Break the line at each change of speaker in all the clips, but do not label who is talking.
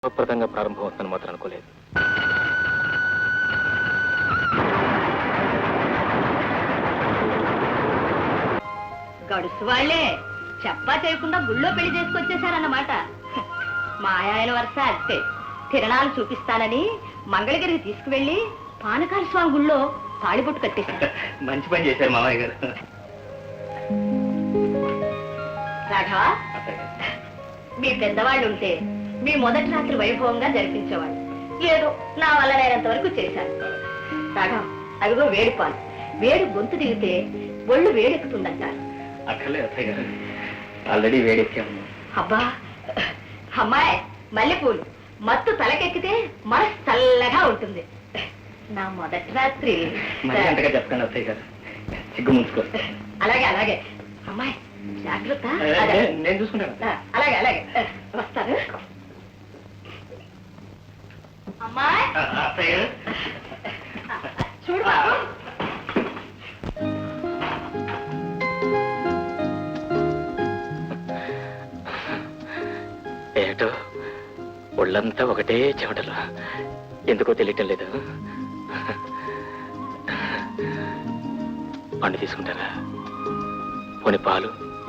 ప్రదంగా ప్రారంభం అవుతుందని మాత్రం అనుకోలేదు.
గడుసు వాళ్లే చెప్పా చేయకుండా గుళ్ళో పెళ్లి చేసుకొచ్చేసారన్నమాట. మా ఆయన వరుస అంతే. తిరణాలు చూపిస్తానని మంగళగిరికి తీసుకువెళ్లి పానకాల స్వామి గుళ్ళో తాళిబొట్టు కట్టేశారు.
మంచి పని చేశారు మామయ్య గారు.
రాఘవ, మీ పెద్దవాళ్ళు ఉంటే మీ మొదటి రాత్రి వైభవంగా జరిపించేవాళ్ళు. ఏదో నా వల్ల నేనంత వరకు చేశాను. రాఘవ, అదిగో వేడి పాలు. వేడి గొంతు దిగితే ఒళ్ళు వేడెక్కుతుందంటారు.
అక్కర్లేదు అత్తయ్య గారు, ఆల్రెడీ వేడెక్కాము.
అబ్బా అమ్మాయి, మల్లెపూలు మత్తు తలకెక్కితే మనసు చల్లగా ఉంటుంది. నా మొదటి రాత్రి
చెప్పండి అత్తయ్య గారు, సిగ్గు ముంచుకో.
అలాగే అలాగే అమ్మాయి, జాగ్రత్త.
నేను చూసుకుంటాను.
అలాగే అలాగే వస్తాను. అమ్మాయి
అత్తయ్య గారు,
చూడు బాబు.
ఏటో ఒళ్ళంతా ఒకటే చెమటలు, ఎందుకో తెలియటం లేదు. పండు తీసుకుంటారా? పోనీ పాలు?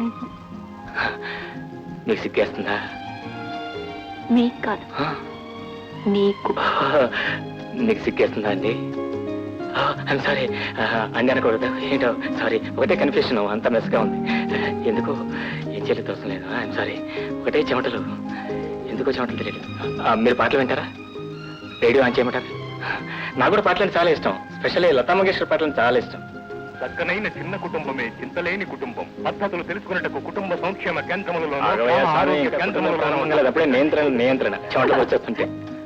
నీకు సిగ్గేస్తుందా?
మీకు కాదు, నీకు.
నీకు సిగ్గేస్తుందా అండి? ఐమ్ సారీ అండి అనకూడదు. ఏంటో సారీ, ఒకటే కన్ఫ్యూషన్, అంత మెస్గా ఉంది. ఎందుకో ఏం చేయలేదు, అవసరం లేదు. ఐమ్ సారీ, ఒకటే చెమటలు, ఎందుకో చెమటలు తెలియదు. మీరు పాటలు వింటారా? రేడియో ఆన్ చేయమంటారా? నాకు కూడా పాటలు చాలా ఇష్టం, స్పెషల్లీ లతా మంగేష్కర్ పాటలు చాలా ఇష్టం.
చక్కనైన చిన్న కుటుంబమే చింతలేని కుటుంబం. పద్ధతులు తెలుసుకున్నట్టు కుటుంబ సంక్షేమ కేంద్రములలో
అప్పుడే నియంత్రణ చెమటలు వచ్చేస్తుంటే.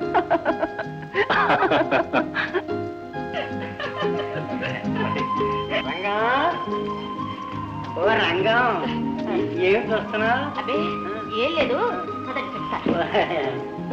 ఓ రంగం, ఏం చూస్తున్నా?
అదే ఏం లేదు, చెప్తా.